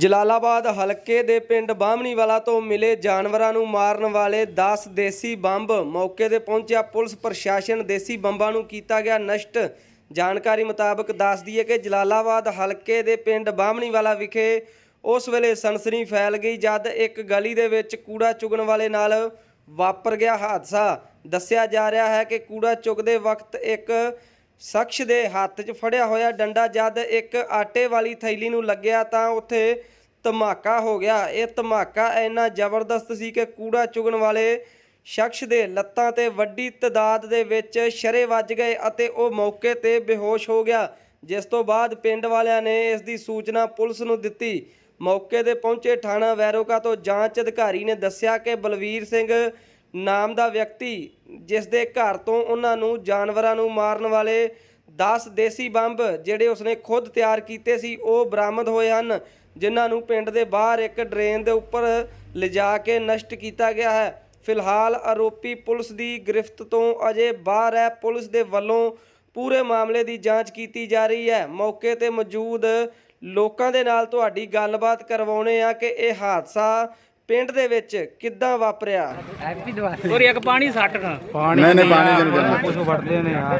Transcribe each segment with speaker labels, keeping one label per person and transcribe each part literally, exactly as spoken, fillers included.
Speaker 1: ਜਲਾਲਾਬਾਦ ਹਲਕੇ ਦੇ ਪਿੰਡ ਬਾਹਮਣੀ ਵਾਲਾ ਤੋਂ ਮਿਲੇ ਜਾਨਵਰਾਂ ਨੂੰ ਮਾਰਨ ਵਾਲੇ ਦਸ ਦੇਸੀ ਬੰਬ। ਮੌਕੇ ਤੇ ਪਹੁੰਚਿਆ ਪੁਲਿਸ ਪ੍ਰਸ਼ਾਸਨ। ਦੇਸੀ ਬੰਬਾਂ ਨੂੰ ਕੀਤਾ ਗਿਆ ਨਸ਼ਟ। ਜਾਣਕਾਰੀ ਮੁਤਾਬਕ ਦੱਸਦੀ ਹੈ ਕਿ ਜਲਾਲਾਬਾਦ ਹਲਕੇ ਦੇ ਪਿੰਡ ਬਾਹਮਣੀ ਵਾਲਾ ਵਿਖੇ ਉਸ ਵੇਲੇ ਸਨਸਨੀ ਫੈਲ ਗਈ ਜਦ ਇੱਕ ਗਲੀ ਦੇ ਵਿੱਚ ਕੂੜਾ ਚੁਗਣ ਵਾਲੇ ਨਾਲ ਵਾਪਰ ਗਿਆ ਹਾਦਸਾ। ਦੱਸਿਆ ਜਾ ਰਿਹਾ ਹੈ ਕਿ ਕੂੜਾ ਚੁਗਦੇ ਵਕਤ ਇੱਕ ਸ਼ਖਸ ਦੇ ਹੱਥ 'ਚ ਫੜਿਆ ਹੋਇਆ ਡੰਡਾ ਜਦ ਇੱਕ ਆਟੇ ਵਾਲੀ ਥੈਲੀ ਨੂੰ ਲੱਗਿਆ ਤਾਂ ਉੱਥੇ ਧਮਾਕਾ ਹੋ ਗਿਆ। ਇਹ ਧਮਾਕਾ ਇੰਨਾ ਜ਼ਬਰਦਸਤ ਸੀ ਕਿ ਕੂੜਾ ਚੁਗਣ ਵਾਲੇ ਸ਼ਖਸ ਦੇ ਲੱਤਾਂ ਤੇ ਵੱਡੀ ਤਾਦਾਦ ਦੇ ਵਿੱਚ ਸ਼ਰੇ ਵੱਜ ਗਏ ਅਤੇ ਉਹ ਮੌਕੇ ਤੇ ਬੇਹੋਸ਼ ਹੋ ਗਿਆ, ਜਿਸ ਤੋਂ ਬਾਅਦ ਪਿੰਡ ਵਾਲਿਆਂ ਨੇ ਇਸ ਦੀ ਸੂਚਨਾ ਪੁਲਿਸ ਨੂੰ ਦਿੱਤੀ। ਮੌਕੇ ਤੇ ਪਹੁੰਚੇ ਥਾਣਾ ਵੈਰੋਕਾ ਤੋਂ ਜਾਂਚ ਅਧਿਕਾਰੀ ਨੇ ਦੱਸਿਆ ਕਿ ਬਲਵੀਰ ਸਿੰਘ ਨਾਮ ਦਾ ਵਿਅਕਤੀ ਜਿਸ ਦੇ ਘਰ ਤੋਂ ਉਹਨਾਂ ਨੂੰ ਜਾਨਵਰਾਂ ਨੂੰ ਮਾਰਨ ਵਾਲੇ ਦਸ ਦੇਸੀ ਬੰਬ ਜਿਹੜੇ ਉਸਨੇ ਖੁਦ ਤਿਆਰ ਕੀਤੇ ਸੀ ਉਹ ਬਰਾਮਦ ਹੋਏ ਹਨ, ਜਿਨ੍ਹਾਂ ਨੂੰ ਪਿੰਡ ਦੇ ਬਾਹਰ ਇੱਕ ਡਰੇਨ ਦੇ ਉੱਪਰ ਲਿਜਾ ਕੇ ਨਸ਼ਟ ਕੀਤਾ ਗਿਆ ਹੈ। ਫਿਲਹਾਲ ਆਰੋਪੀ ਪੁਲਿਸ ਦੀ ਗ੍ਰਿਫਤ ਤੋਂ ਅਜੇ ਬਾਹਰ ਹੈ। ਪੁਲਿਸ ਦੇ ਵੱਲੋਂ ਪੂਰੇ ਮਾਮਲੇ ਦੀ ਜਾਂਚ ਕੀਤੀ ਜਾ ਰਹੀ ਹੈ। ਮੌਕੇ ਤੇ ਮੌਜੂਦ ਲੋਕਾਂ ਦੇ ਨਾਲ ਤੁਹਾਡੀ ਗੱਲਬਾਤ ਕਰਵਾਉਣੇ ਆ ਕਿ ਇਹ ਹਾਦਸਾ ਪਿੰਡ ਦੇ ਵਿੱਚ ਕਿੱਦਾਂ ਵਾਪਰਿਆ।
Speaker 2: ਔਰ ਇੱਕ ਪਾਣੀ ਸੱਟ ਖਾ
Speaker 3: ਪਾਣੀ ਨਹੀਂ ਨਹੀਂ ਪਾਣੀ ਜਨ ਜਨ
Speaker 2: ਕੁਝ ਵੜਦੇ ਨੇ ਯਾਰ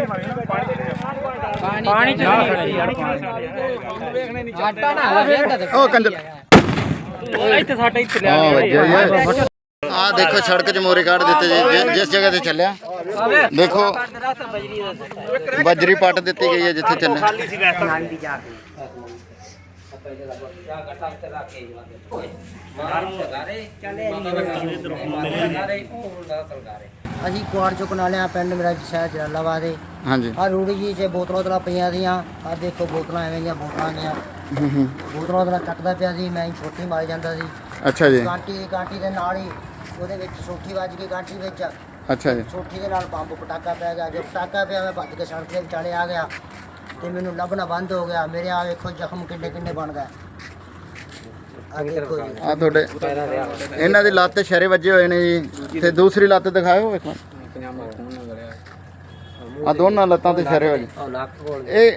Speaker 2: ਪਾਣੀ ਚ ਯਾਰ ਵੇਖਣੇ ਨਹੀਂ ਆਟਾ ਨਾ ਵੇਖਦਾ
Speaker 3: ਉਹ ਕੰਜਰ
Speaker 2: ਇੱਥੇ ਸਾਡਾ ਇੱਥੇ ਲਿਆ
Speaker 3: ਆ ਦੇਖੋ ਸੜਕ 'ਚ ਮੋਰੇ ਕੱਢ ਦਿੱਤੇ ਜੀ ਜਿਸ ਜਗ੍ਹਾ ਤੇ ਚੱਲਿਆ ਦੇਖੋ ਬਜਰੀ ਪੱਟ ਦਿੱਤੀ ਗਈ ਹੈ ਜਿੱਥੇ ਚੱਲਿਆ।
Speaker 4: ਅਸੀਂ ਕੁਆੜ ਚੁੱਕਣ ਵਾਲੇ ਆ। ਪਿੰਡ ਮੇਰਾ ਸ਼ਹਿਰ ਜਲਾਲਾਬਾਦ ਹੈ।
Speaker 3: ਹਾਂਜੀ
Speaker 4: ਆ ਰੂੜੀ ਜੀ 'ਚ ਬੋਤਲਾਂ ਬੋਤਲਾਂ ਪਈਆਂ ਦੀਆਂ। ਆ ਦੇਖੋ ਬੋਤਲਾਂ ਐਵੇਂ ਦੀਆਂ ਬੋਤਲਾਂ ਦੀਆਂ ਬੋਤਲਾਂ ਬੋਤਲਾਂ ਚੱਕਦਾ ਪਿਆ ਸੀ। ਮੈਂ ਛੋਟੀ ਮਾਰੀ ਜਾਂਦਾ ਸੀ।
Speaker 3: ਅੱਛਾ ਜੀ।
Speaker 4: ਕਾਂਟੀ ਕਾਂਟੀ ਦੇ ਨਾਲ ਹੀ ਉਹਦੇ ਵਿੱਚ ਸੋਠੀ ਵੱਜ ਗਈ ਕਾਂਟੀ ਵਿੱਚ।
Speaker 3: ਅੱਛਾ ਜੀ।
Speaker 4: ਸੋਠੀ ਦੇ ਨਾਲ ਬੰਬ ਪਟਾਕਾ ਪੈ ਗਿਆ। ਜਦੋਂ ਪਟਾਕਾ ਪਿਆ ਮੈਂ ਭੱਜ ਕੇ ਸੜਕ ਦੇ ਵਿਚਾਲੇ ਆ ਗਿਆ ਤੇ ਮੈਨੂੰ ਲੱਭਣਾ ਬੰਦ ਹੋ ਗਿਆ। ਮੇਰੇ ਆ ਵੇਖੋ ਜ਼ਖਮ ਕਿੰਨੇ ਕਿੰਨੇ ਬਣ ਗਏ। ਆ ਦੇਖੋ ਜੀ
Speaker 3: ਆ ਤੁਹਾਡੇ ਇਹਨਾਂ ਦੀ ਲੱਤ ਤੇ ਸ਼ਰੇ ਵੱਜੇ ਹੋਏ ਨੇ ਜੀ ਤੇ ਦੂਸਰੀ ਲੱਤ ਦਿਖਾਓ ਵੇਖੋ। ਆ ਦੋਨਾਂ ਲੱਤਾਂ ਤੇ ਸ਼ਰੇ ਵੱਜੇ। ਇਹ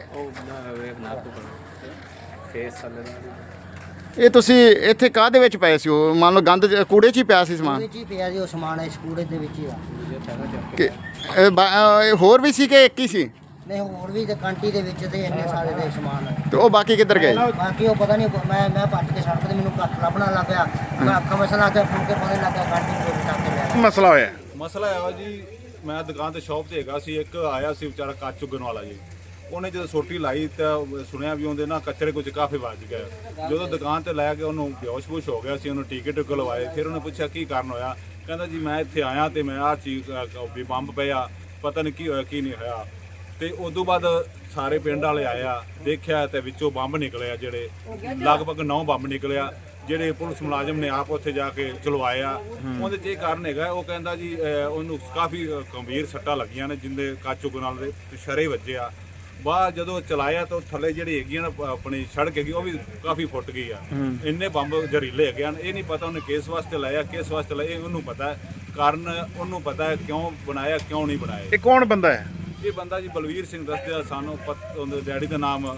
Speaker 3: ਇਹ ਤੁਸੀਂ ਇੱਥੇ ਕਾਹਦੇ ਵਿੱਚ ਪਏ ਸੀ? ਉਹ ਮੰਨ ਲਓ ਗੰਦ ਕੂੜੇ 'ਚ ਹੀ ਪਿਆ ਸੀ ਸਮਾਨ?
Speaker 4: ਕੂੜੇ 'ਚ ਹੀ ਪਿਆ ਜੀ ਉਹ ਸਮਾਨ। ਇਸ ਕੂੜੇ ਦੇ ਵਿੱਚ ਹੀ ਆ।
Speaker 3: ਕਿ ਇਹ ਬਾ- ਇਹ ਹੋਰ ਵੀ ਸੀ ਕਿ ਇੱਕ ਹੀ ਸੀ?
Speaker 4: ਨਹੀਂ ਹੋਰ ਵੀ ਤੇ ਕਾਂਟੀ ਦੇ ਵਿੱਚ ਤੇ ਇੰਨੇ ਸਾਰੇ ਦੇ ਸਮਾਨ।
Speaker 3: ਤੇ ਉਹ ਬਾਕੀ ਕਿੱਧਰ ਗਏ?
Speaker 4: ਬਾਕੀ ਉਹ ਪਤਾ ਨਹੀਂ। ਮੈਂ ਮੈਂ ਭੱਜ ਕੇ ਸੜਕ ਤੇ ਮੈਨੂੰ ਘੱਟ ਲੱਭਣਾ ਲੱਗ ਪਿਆ। ਮੈਂ ਅੱਖਾਂ ਮਸਲਾ ਲਾ ਕੇ ਫੁੱਲ ਕੇ ਪਤਾ ਲੱਗਾ ਕਾਂਟੀ ਦੇ ਵਿੱਚ ਟੱਕ ਲਿਆ।
Speaker 3: ਮਸਲਾ ਹੋਇਆ
Speaker 5: ਮਸਲਾ ਆ ਜੀ, ਮੈਂ ਦੁਕਾਨ ਤੇ ਸ਼ਾਪ ਤੇ ਹੈਗਾ ਸੀ। ਇੱਕ ਆਇਆ ਸੀ ਵਿਚਾਰਾ ਕੱਚ ਚੁੱਗਣ ਵਾਲਾ ਜੀ। ਉਹਨੇ ਜਦੋਂ ਸੋਟੀ ਲਾਈ ਤਾਂ ਸੁਣਿਆ ਵੀ ਉਹਦੇ ਨਾ ਕਚਰੇ ਕੁਝ ਕਾਫੀ ਵੱਜ ਗਏ। ਜਦੋਂ ਦੁਕਾਨ ਤੇ ਲੈ ਕੇ ਉਹਨੂੰ ਬੇਹੋਸ਼-ਬੋਸ਼ ਹੋ ਗਿਆ ਸੀ। ਉਹਨੂੰ ਟੀਕੇ ਟੁਕੇ ਲਵਾਏ। ਫਿਰ ਉਹਨੇ ਪੁੱਛਿਆ ਕੀ ਕਾਰਨ ਹੋਇਆ। ਕਹਿੰਦਾ ਜੀ ਮੈਂ ਇੱਥੇ ਆਇਆ ਤੇ ਮੈਂ ਆਹ ਚੀਜ਼ ਵੀ ਬੰਬ ਪਿਆ, ਪਤਾ ਨਹੀਂ ਕੀ ਹੋਇਆ ਕੀ ਨਹੀਂ ਹੋਇਆ। ਤੇ ਉਦੋਂ ਬਾਅਦ ਸਾਰੇ ਪਿੰਡ ਵਾਲੇ ਆਇਆ, ਦੇਖਿਆ ਤੇ ਵਿੱਚੋਂ ਬੰਬ ਨਿਕਲਿਆ। ਜਿਹੜੇ ਲਗਭਗ ਨੌ ਬੰਬ ਨਿਕਲਿਆ ਜਿਹੜੇ ਪੁਲਿਸ ਮੁਲਾਜ਼ਮ ਨੇ ਆਪ ਉੱਥੇ ਜਾ ਕੇ ਚਲਵਾਇਆ। ਉਹਦੇ 'ਚ ਇਹ ਕਾਰਨ ਹੈਗਾ, ਉਹ ਕਹਿੰਦਾ ਜੀ ਉਹਨੂੰ ਕਾਫੀ ਗੰਭੀਰ ਸੱਟਾਂ ਲੱਗੀਆਂ ਨੇ ਜਿੰਦੇ ਕਾਚੂ ਨਾਲ ਦੇ ਸ਼ਰੇ ਵੱਜੇ ਆ। ਬਾਅਦ ਜਦੋਂ ਚਲਾਇਆ ਤਾਂ ਥੱਲੇ ਜਿਹੜੀ ਹੈਗੀ ਨਾ ਆਪਣੀ ਸੜਕ ਹੈਗੀ ਉਹ ਵੀ ਕਾਫੀ ਫੁੱਟ ਗਈ ਆ। ਇੰਨੇ ਬੰਬ ਜ਼ਹਿਰੀਲੇ ਹੈਗੇ ਹਨ। ਇਹ ਨਹੀਂ ਪਤਾ ਉਹਨੇ ਕਿਸ ਵਾਸਤੇ ਲਾਇਆ ਕਿਸ ਵਾਸਤੇ ਲਾਇਆ, ਇਹ ਉਹਨੂੰ ਪਤਾ ਹੈ। ਕਾਰਨ ਉਹਨੂੰ ਪਤਾ ਹੈ ਕਿਉਂ ਬਣਾਇਆ ਕਿਉਂ ਨਹੀਂ ਬਣਾਇਆ।
Speaker 3: ਇਹ ਕੌਣ ਬੰਦਾ ਹੈ?
Speaker 5: ਇਹ ਬੰਦਾ ਜੀ ਬਲਵੀਰ ਸਿੰਘ ਦੱਸਦੇ ਸਾਨੂੰ। ਉਹਦੇ ਡੈਡੀ ਦਾ ਨਾਮ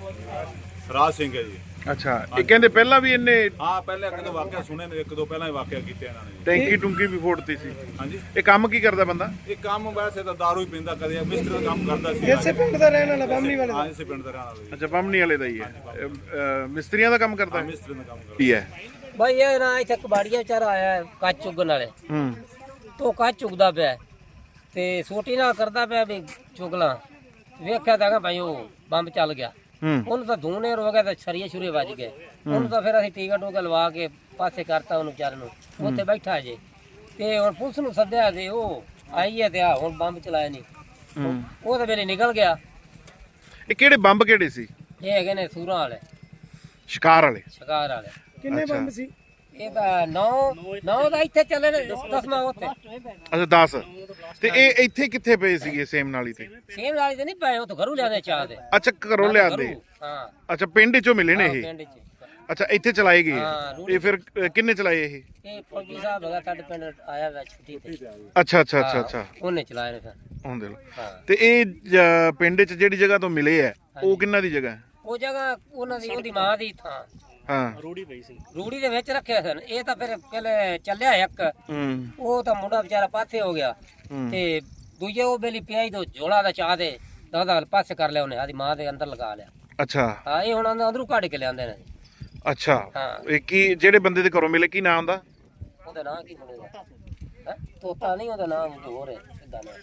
Speaker 5: ਰਾਜ ਸਿੰਘ ਹੈ ਜੀ।
Speaker 6: ਅੱਛਾ, ਇਹ ਕਹਿੰਦੇ ਪਹਿਲਾਂ ਵੀ ਇਹਨੇ
Speaker 5: ਹਾਂ ਪਹਿਲੇ ਇੱਕ ਦੋ ਵਾਕਿਆ ਸੁਣੇ ਨੇ, ਇੱਕ ਦੋ ਪਹਿਲਾਂ ਹੀ ਵਾਕਿਆ ਕੀਤੇ ਇਹਨਾਂ ਨੇ।
Speaker 6: ਟੈਂਕੀ ਟੁੰਕੀ ਵੀ ਫੋੜਤੀ ਸੀ।
Speaker 5: ਹਾਂਜੀ।
Speaker 6: ਇਹ ਕੰਮ ਕੀ ਕਰਦਾ ਬੰਦਾ?
Speaker 5: ਇਹ ਕੰਮ ਵੈਸੇ ਤਾਂ ਦਾਰੂ ਹੀ ਪੀਂਦਾ, ਕਦੇ ਮਿਸਤਰੀ ਦਾ ਕੰਮ ਕਰਦਾ ਸੀ।
Speaker 1: ਇਸੇ ਪਿੰਡ ਦਾ ਰਹਿਣ ਵਾਲਾ ਬਾਹਮਣੀ ਵਾਲਾ।
Speaker 5: ਹਾਂ ਇਸੇ ਪਿੰਡ ਦਾ ਰਹਿਣ ਵਾਲਾ ਜੀ।
Speaker 6: ਅੱਛਾ, ਬੰਮਣੀ ਵਾਲੇ ਦਾ ਹੀ ਹੈ। ਅਹ, ਮਿਸਤਰੀਆਂ ਦਾ ਕੰਮ ਕਰਦਾ ਹੈ?
Speaker 5: ਮਿਸਤਰੀ ਦਾ ਕੰਮ ਕਰਦਾ।
Speaker 6: ਕੀ ਹੈ
Speaker 2: ਭਾਈ ਇਹ ਨਾ ਇੱਥੇ ਕਬਾੜੀਆ ਵਿਚਾਰਾ ਆਇਆ ਕੱਚ ਚੁਗਣ ਵਾਲੇ।
Speaker 6: ਹੂੰ
Speaker 2: ਤੋਂ ਕੱਚ ਚੁਗਦਾ ਪਿਆ ਤੇ ਸੋਟੀ ਨਾਲ ਕਰਦਾ ਪਿਆ ਵੀ ਚੁਗਲਾ। ਵੇਖਿਆ ਤਾਂ ਭਾਈ ਉਹ ਬੰਬ ਚੱਲ ਗਿਆ। ਉਹਨੂੰ ਤਾਂ ਧੂਨੇ ਹੋ ਗਿਆ ਤਾਂ ਛਰੀਏ ਛੁਰੇ ਵੱਜ ਗਏ। ਉਹਨੂੰ ਤਾਂ ਫਿਰ ਅਸੀਂ ਟੀਕਾ ਟੋਕਾ ਲਵਾ ਕੇ ਪਾਸੇ ਕਰਤਾ ਉਹਨੂੰ ਵਿਚਾਰੇ ਨੂੰ। ਉੱਥੇ ਬੈਠਾ ਜੇ ਤੇ ਹੁਣ ਪੁਲਿਸ ਨੂੰ ਸੱਦਿਆ ਤੇ ਉਹ ਆਈ ਹੈ ਤੇ ਆ ਹੁਣ ਬੰਬ ਚਲਾਇਆ ਨਹੀਂ। ਉਹ ਤਾਂ ਵੇਲੇ ਨਿਕਲ ਗਿਆ।
Speaker 6: ਇਹ ਕਿਹੜੇ ਬੰਬ ਕਿਹੜੇ ਸੀ?
Speaker 2: ਇਹ ਹੈਗੇ ਨੇ ਸੂਰਾਂ ਵਾਲੇ,
Speaker 6: ਸ਼ਿਕਾਰ ਵਾਲੇ?
Speaker 2: ਸ਼ਿਕਾਰ ਵਾਲੇ।
Speaker 6: ਕਿੰਨੇ ਬੰਬ
Speaker 1: ਸੀ?
Speaker 2: ਇਹ ਤਾਂ ਨੌ ਨੌ ਦਾ ਇੱਥੇ ਚੱਲੇ ਨੇ, ਦਸਵਾਂ ਉੱਥੇ।
Speaker 6: ਅੱਛਾ ਦਸ। ਤੇ ਇਹ ਇੱਥੇ ਕਿੱਥੇ ਪਏ ਸੀਗੇ ਸੇਮ ਨਾਲੀ ਤੇ?
Speaker 2: ਸੇਮ ਵਾਲੀ ਤੇ ਨਹੀਂ ਪਏ, ਉਹ ਤਾਂ ਘਰੋਂ ਲਿਆਦੇ ਚਾਹ ਦੇ।
Speaker 6: ਅੱਛਾ ਘਰੋਂ ਲਿਆਂਦੇ।
Speaker 2: ਹਾਂ
Speaker 6: ਅੱਛਾ ਪਿੰਡ ਚੋਂ ਮਿਲੇ ਨੇ ਇਹ?
Speaker 2: ਪਿੰਡ ਚ।
Speaker 6: ਅੱਛਾ ਇੱਥੇ ਚਲਾਏ ਗਏ।
Speaker 2: ਹਾਂ,
Speaker 6: ਇਹ ਫਿਰ ਅਹ, ਕਿੰਨੇ ਚਲਾਏ ਇਹ?
Speaker 2: ਇਹ ਫੌਜੀ ਸਾਹਿਬ ਹੈਗਾ ਸਾਡੇ ਪਿੰਡ ਆਇਆ ਵਾ ਛੁੱਟੀ ਤੇ।
Speaker 6: ਅੱਛਾ ਅੱਛਾ ਅੱਛਾ ਅੱਛਾ
Speaker 2: ਉਹਨੇ ਚਲਾਏ ਨੇ ਫਿਰ।
Speaker 6: ਹੁਣ ਦੇ ਲੋ।
Speaker 2: ਹਾਂ।
Speaker 6: ਤੇ ਇਹ ਜ- ਪਿੰਡ 'ਚ ਜਿਹੜੀ ਜਗ੍ਹਾ ਤੋਂ ਮਿਲੇ ਆ ਉਹ ਕਿੰਨਾ ਦੀ ਜਗ੍ਹਾ ਹੈ?
Speaker 2: ਉਹ ਜਗ੍ਹਾ ਉਹਨਾਂ ਦੀ ਉਹਦੀ ਮਾਂ ਦੀ ਥਾਂ।
Speaker 6: ਹਾਂ
Speaker 2: ਰੂੜੀ ਦੇ ਵਿੱਚ ਰੱਖਿਆ ਸਨ। ਇਹ ਤਾਂ ਫਿਰ ਪਹਿਲੇ ਚੱਲਿਆ ਇੱਕ,
Speaker 6: ਹੂੰ
Speaker 2: ਉਹ ਤਾਂ ਮੁੰਡਾ ਵਿਚਾਰਾ ਪਾਸੇ ਹੋ ਗਿਆ ਤੇ ਦੂਜੇ ਉਹ ਬੇਲੀ ਪਿਆਈ ਤੋਂ ਝੋਲਾ ਦਾ ਚਾਹ ਦੇ ਦਾਦਾ ਪਾਸੇ ਕਰ ਲਿਆ ਉਹਨੇ, ਆਦੀ ਮਾਂ ਦੇ ਅੰਦਰ ਲਗਾ ਲਿਆ।
Speaker 6: ਅੱਛਾ
Speaker 2: ਹਾਂ ਇਹ ਹੁਣ ਅੰਦਰੋਂ ਕੱਢ ਕੇ ਲਿਆਂਦੇ ਨੇ।
Speaker 6: ਅੱਛਾ
Speaker 2: ਹਾਂ।
Speaker 6: ਇਹ ਕੀ ਜਿਹੜੇ ਬੰਦੇ ਦੇ ਘਰੋਂ ਮਿਲੇ ਕੀ ਨਾਮ ਦਾ?
Speaker 2: ਉਹਦਾ ਨਾਂ ਕੀ ਬਣੇਗਾ? ਹੈ ਤੋਤਾ ਨਹੀਂ, ਉਹਦਾ ਨਾਮ ਹੋਰ ਹੈ ਕਿੱਦਾਂ ਨਾ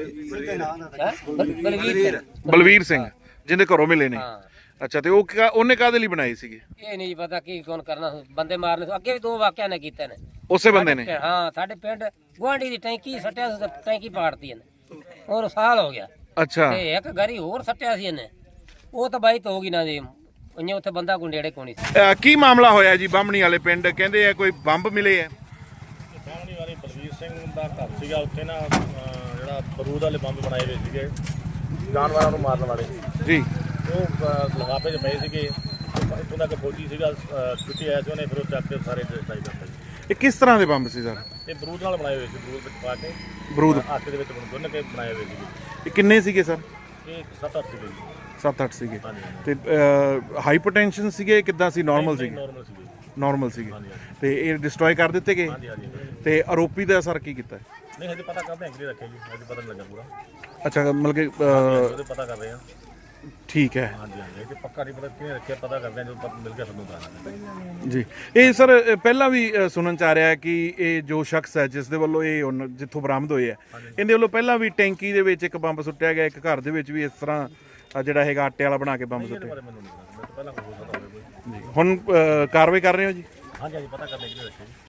Speaker 2: ਬਲਵੀਰ ਸਿੰਘ।
Speaker 6: ਬਲਵੀਰ ਸਿੰਘ ਜਿਹਦੇ ਘਰੋਂ ਮਿਲੇ ਨੇ।
Speaker 2: ਹਾਂ
Speaker 6: ਅੱਛਾ ਤੇ ਉਹ ਕਿਆ- ਉਹਨੇ ਕਾਹਦੇ ਲਈ ਬਣਾਏ ਸੀਗੇ?
Speaker 2: ਇਹ ਨਹੀਂ ਪਤਾ ਕੀ ਕੌਣ ਕਰਨਾ, ਬੰਦੇ ਮਾਰਨੇ ਅੱਗੇ ਵੀ ਦੋ ਵਾਕਿਆ ਨੇ ਕੀਤੇ ਨੇ।
Speaker 6: ਉਸੇ ਬੰਦੇ ਨੇ?
Speaker 2: ਹਾਂ ਸਾਡੇ ਪਿੰਡ ਗੁਆਂਢੀ ਦੀ ਟੈਂਕੀ ਸੱਟਿਆ ਸੀ ਤੇ ਟੈਂਕੀ ਪਾੜਤੀ ਇਹਨੇ, ਹੋਰ ਸਾਲ ਹੋ ਗਿਆ।
Speaker 6: ਅੱਛਾ
Speaker 2: ਤੇ ਇੱਕ ਗਰੀ ਹੋਰ ਸੱਟਿਆ ਸੀ ਇਹਨੇ, ਉਹ ਤਾਂ ਬਾਈ ਤੋਂ ਹੋ ਗਈ ਨਾ ਜੀ, ਉਹਨੇ ਉੱਥੇ ਬੰਦਾ ਕੋਈ ਨੇੜੇ ਕੋਣੀ ਸੀ।
Speaker 6: ਅਹ ਕੀ ਮਾਮਲਾ ਹੋਇਆ ਜੀ ਬਾਹਮਣੀ ਵਾਲੇ ਪਿੰਡ? ਕਹਿੰਦੇ ਆ ਕੋਈ ਬੰਬ ਮਿਲੇ ਆ।
Speaker 7: ਬਾਹਮਣੀ ਵਾਲੀ ਬਲਵੀਰ ਸਿੰਘ ਦਾ ਘਰ ਸੀਗਾ, ਉੱਥੇ ਨਾ ਅਹ, ਜਿਹੜਾ ਬਰੂਦ ਵਾਲੇ ਬੰਬ ਬਣਾਏ ਹੋਏ ਸੀਗੇ ਜਾਨਵਰਾਂ ਨੂੰ ਮਾਰਨ ਵਾਲੇ।
Speaker 6: ਜੀ
Speaker 7: ਉਹ ਅਹ, ਲਿਫਾਫੇ 'ਚ ਪਏ ਸੀਗੇ। ਇੱਥੋਂ ਤੱਕ ਫੌਜੀ ਸੀਗਾ, ਛੁੱਟੀ ਆਇਆ ਸੀ, ਉਹਨੇ ਫਿਰ ਉਹ ਚੱਕ ਕੇ ਸਾਰੇ ਡਿਸਟ੍ਰਾਈ ਕਰਤੇ।
Speaker 6: ਇਹ ਕਿਸ ਤਰ੍ਹਾਂ ਦੇ ਬੰਬ ਸੀ ਸਰ?
Speaker 7: ਇਹ ਬਰੂਦ ਨਾਲ ਬਣਾਏ ਹੋਏ ਸੀ, ਬਰੂਦ ਵਿੱਚ ਪਾ ਕੇ
Speaker 6: ਬਰੂਦ
Speaker 7: ਆਟੇ ਦੇ ਵਿੱਚ ਗੁੰਨ ਕੇ ਬਣਾਏ ਹੋਏ ਸੀਗੇ।
Speaker 6: ਇਹ ਕਿੰਨੇ ਸੀਗੇ ਸਰ?
Speaker 7: ਇਹ ਸੱਤ ਅੱਠ ਸੀਗੇ ਜੀ।
Speaker 6: ਸੱਤ ਅੱਠ ਸੀਗੇ।
Speaker 7: ਹਾਂਜੀ
Speaker 6: ਤੇ ਹਾਈਪਰਟੈਂਸ਼ਨ ਸੀਗੇ ਕਿੱਦਾਂ ਸੀ? ਨਾਰਮਲ ਸੀਗੇ?
Speaker 7: ਨੋਰਮਲ ਸੀਗੇ।
Speaker 6: ਨਾਰਮਲ ਸੀਗੇ।
Speaker 7: ਹਾਂਜੀ ਹਾਂਜੀ
Speaker 6: ਤੇ ਇਹ ਡਿਸਟਰੋਏ ਕਰ ਦਿੱਤੇ ਗਏ?
Speaker 7: ਹਾਂਜੀ ਹਾਂਜੀ।
Speaker 6: ਤੇ ਆਰੋਪੀ ਦਾ ਸਰ ਕੀ ਕੀਤਾ?
Speaker 7: ਨਹੀਂ ਹਜੇ ਪਤਾ ਕਰਦੇ ਹਾਂ ਕਿਹੜੇ ਰੱਖੇ ਜੀ, ਹਜੇ ਪਤਾ ਨਹੀਂ ਲੱਗਾ ਪੂਰਾ।
Speaker 6: ਅੱਛਾ ਮਤਲਬ ਕਿ ਅਹ,
Speaker 7: ਉਹਦੇ ਪਤਾ ਕਰ ਰਹੇ ਹਾਂ।
Speaker 6: ਠੀਕ ਹੈ
Speaker 7: ਹਾਂਜੀ ਹਾਂਜੀ ਇਹ ਪੱਕਾ ਨਹੀਂ ਪਤਾ ਕਿਹਨੇ ਰੱਖਿਆ, ਪਤਾ ਕਰਦੇ ਹਾਂ ਜਦੋਂ ਪਤਾ ਮਿਲ ਗਿਆ ਸਾਨੂੰ ਦੱਸਾਂਗੇ।
Speaker 6: ਜੀ। ਇਹ ਸਰ ਅ, ਪਹਿਲਾਂ ਵੀ ਅ, ਸੁਣਨ ਚ ਆ ਰਿਹਾ ਹੈ ਕਿ ਇਹ ਜੋ ਸ਼ਖਸ ਹੈ ਜਿਸ ਦੇ ਵੱਲੋਂ ਇਹ ਹੁਣ ਜਿੱਥੋਂ ਬਰਾਮਦ ਹੋਏ ਆ, ਇਹਦੇ ਵੱਲੋਂ ਪਹਿਲਾਂ ਵੀ ਟੈਂਕੀ ਦੇ ਵਿੱਚ ਇੱਕ ਬੰਬ ਸੁੱਟਿਆ ਗਿਆ, ਇੱਕ ਘਰ ਦੇ ਵਿੱਚ ਵੀ ਇਸ ਤਰ੍ਹਾਂ ਅ, ਜਿਹੜਾ ਹੈਗਾ ਆਟੇ ਵਾਲਾ ਬਣਾ ਕੇ ਬੰਬ ਸੁੱਟਿਆ।
Speaker 7: ਮੈਨੂੰ ਨਹੀਂ ਪਤਾ, ਮੈਨੂੰ ਪਹਿਲਾਂ ਕੋਈ ਹੋ ਸਕਦਾ ਹੋਵੇ ਕੋਈ।
Speaker 6: ਜੀ ਹੁਣ ਅ, ਕਾਰਵਾਈ ਕਰ ਰਹੇ ਹੋ ਜੀ?
Speaker 7: ਹਾਂਜੀ ਹਾਂਜੀ ਪਤਾ ਕਰਦੇ ਕਿਹਨੇ ਰੱਖੇ ਜੀ।